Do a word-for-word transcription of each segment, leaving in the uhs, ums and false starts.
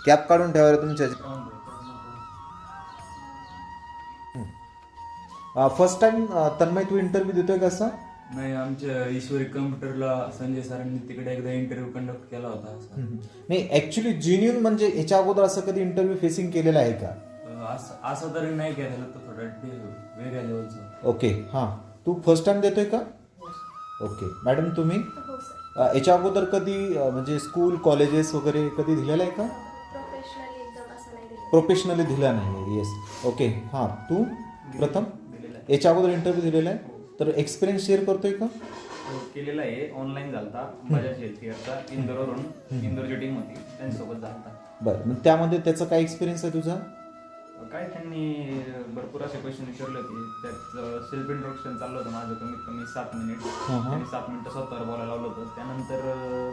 Cap काढून ठेवा रे तुमच्या. फर्स्ट टाइम तन्मय तू इंटरव्ह्यू देतोय का असं? नाही, आमच्या ईश्वरी कम्प्युटरला संजय सरांनी तिकडे एकदा इंटरव्ह्यू कंडक्ट केला होता. नाही ऍक्च्युली जेन्युइन म्हणजे याच्या अगोदर असं कधी इंटरव्ह्यू फेसिंग केलेला आहे का? असं असं तरी नाही केलेलं, तर थोडं वेगळ्या लेवलचं. ओके हां, तू फर्स्ट टाइम देतोय का? ओके मॅडम तुम्ही हो सर. अ, याच्या अगोदर कधी अ, म्हणजे स्कूल कॉलेजेस वगैरे कधी दिलेलं आहे का? प्रोफेशनली एकदम असं नाही दिलं. प्रोफेशनली दिला नाही. येस ओके हां, तू प्रथम दिलेलं आहे. याच्या अगोदर इंटरव्ह्यू दिलेला आहे, तर एक्सपिरियन्स शेअर करतोय का? केलेला आहे, ऑनलाईन झालता. बजाज हेल्थ केअरचा इंदोरवरून, इंदोरची टीम होती त्यांच्यासोबत झालता. बरं, मग त्यामध्ये त्याचा काय एक्सपिरियन्स आहे तुझा? काय त्यांनी भरपूर असे क्वेश्चन विचारले होते. त्यात सेल्फ इंट्रोडक्शन चाललं होतं माझं कमीत कमी सात मिनिट. हां हां. त्यांनी सात मिनिटं स्वतःवर बोलायला लावलं होतं. त्यानंतर अं,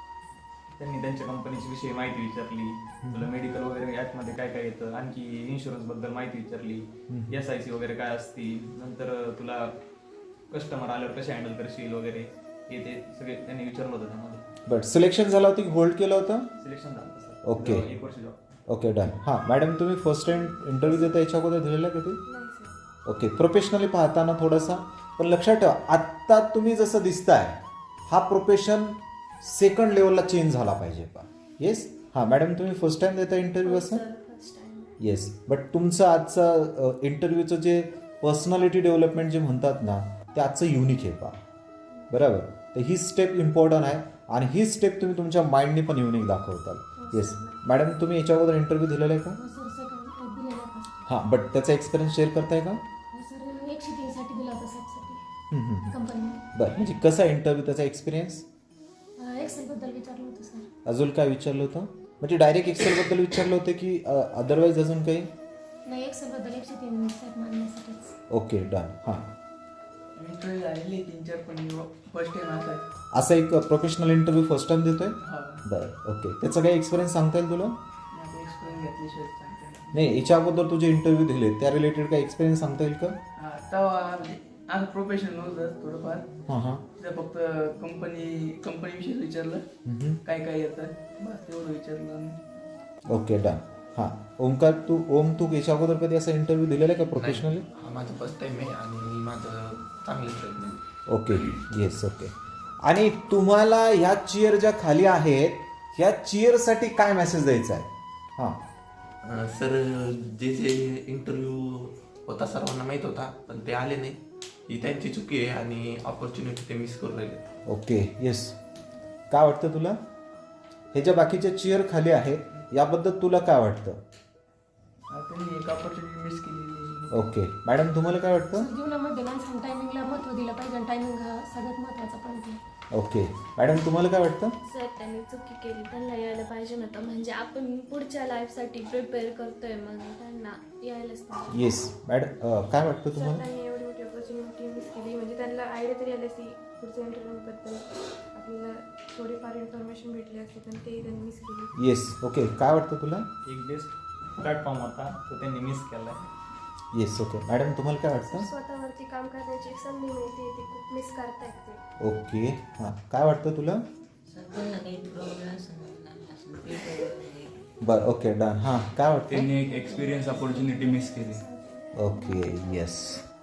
त्यांनी त्यांच्या कंपनीची विषयी माहिती विचारली, तुला मेडिकल वगैरे ॲपमध्ये काय काय येतं, आणखी इन्शुरन्स बद्दल माहिती विचारली, एस आय सी वगैरे काय असती, नंतर तुला कस्टमर आल्यावर कसे हँडल करशील वगैरे हे ते सगळे त्यांनी विचारलं होतं त्यामध्ये. बट सिलेक्शन झालं होतं की होल्ड केलं होतं? सिलेक्शन झालं सर. ओके. एक वर्ष जॉब. Okay done. हां मॅडम तुम्ही फर्स्ट टाइम इंटरव्ह्यू देता याच्या अगोदर दिलेला कधी? नाही सर. ओके, प्रोफेशनली पाहताना थोडासा, पण लक्षात ठेवा आत्ता तुम्ही जसं दिसताय हा प्रोफेशन सेकंड लेवलला चेंज झाला पाहिजे पा. येस हां मॅडम तुम्ही फर्स्ट टाइम देता इंटरव्ह्यू असं? First time. येस, बट तुमचं आजचं इंटरव्ह्यूचं जे पर्सनॅलिटी डेव्हलपमेंट जे म्हणतात ना ते आजचं युनिक आहे पा. बरोबर, तर ही स्टेप इम्पॉर्टंट आहे आणि ही स्टेप तुम्ही तुमच्या माइंडने पण युनिक दाखवताल. येस मॅडम तुम्ही याच्या अगोदर इंटरव्ह्यू दिलेला आहे का? हो सर, सेकंड दिलेला होता. हां, बट त्याचा एक्सपिरियन्स शेअर करताय का? हो सर, एकशे तीनसाठी दिला होता सबसाठी हम्म, हम्म. कंपनीने. बरं, म्हणजे कसा इंटरव्ह्यू त्याचा एक्सपिरियन्स? एक्सेलबद्दल विचारलं होतं सर. अजून काय विचारलं होतं? म्हणजे डायरेक्ट एक्सेलबद्दल विचारलं होतं की अदरवाईज अजून काही? नाही, एक्सेलबद्दल एकशे तीन सेट मारण्यासाठीच. Okay done. हां, इंटरव्ह्यू झालेली तीन चार, पण फर्स्ट टाइम असा आहे. असा एक प्रोफेशनल इंटरव्ह्यू फर्स्ट टाइम देतोय? हा, बरं ओके, त्याचा काही एक्सपिरियन्स सांगता येईल तुला? मी एक्सपिरियन्स घेतल्याशिवाय सांगता येणार नाही, याच्या अगोदर तुझे इंटरव्ह्यू दिले त्या रिलेटेड काही एक्सपिरियन्स सांगता येईल का? हा, तेव्हा म्हणजे असं प्रोफेशनल नव्हतं थोडंफार. हां हां. तिथं फक्त कंपनी कंपनीविषयी विचारलं, हम्म. काय काय येतं, बस तेवढं विचारलं. Okay done. हां, ओमकार तू ओम तू याच्या अगोदर कधी असा इंटरव्ह्यू दिलेला आहे का प्रोफेशनली? हा माझं फर्स्ट टाइम आहे आणि मी माझं चांगलं ट्रीटमेंट. Okay yes okay. आणि तुम्हाला ह्या चेअर ज्या खाली आहेत ह्या चेअरसाठी काय मेसेज द्यायचा आहे? हां सर, जे जे इंटरव्ह्यू होता सर्वांना माहीत होता, पण ते आले नाही, ही त्यांची चुकी आहे आणि ऑपॉर्च्युनिटी ते मिस करून राहिले. Okay yes. काय वाटतं तुला हे ज्या बाकीच्या चेअर खाली आहेत याबद्दल तुला काय वाटतं? हा, त्यांनी एक ऑपॉर्च्युनिटी मिस केलेली. ओके मॅडम तुम्हाला काय वाटतं? सर, जीवनामध्ये माणसाने टायमिंगला महत्त्व दिलं पाहिजे आणि टायमिंग हा सगळ्यात महत्त्वाचा पॉईंट आहे. ओके मॅडम तुम्हाला काय वाटतं? सर त्यांनी चुकी केली, त्यांना यायला पाहिजे नव्हतं. म्हणजे आपण पुढच्या लाईफसाठी प्रिपेअर करतोय, मग त्यांना यायलाच पाहिजे. येस मॅडम अं, काय वाटतं सर तुम्हाला? त्यांनी एवढी मोठी ऑपॉर्च्युनिटी मिस केली. म्हणजे त्यांना आयडिया तरी आली असती पुढच्या इंटरव्ह्यूबद्दल, आपल्याला थोडीफार इन्फॉर्मेशन भेटली असते, पण ते त्यांनी मिस केली. Yes okay. काय वाटतं तुला? एक बेस्ट प्लॅटफॉर्म होता तो त्यांनी मिस केला. Yes okay. मॅडम तुम्हाला काय वाटतं? स्वतःवरती काम करण्याची एक संधी मिळते, ते खूप मिस करतायत ते. ओके हां, काय वाटतं तुला? बरं ओके डन. हां काय वाटतं? त्यांनी एक एक्सपिरियन्स अपॉर्च्युनिटी मिस केली. Okay yes.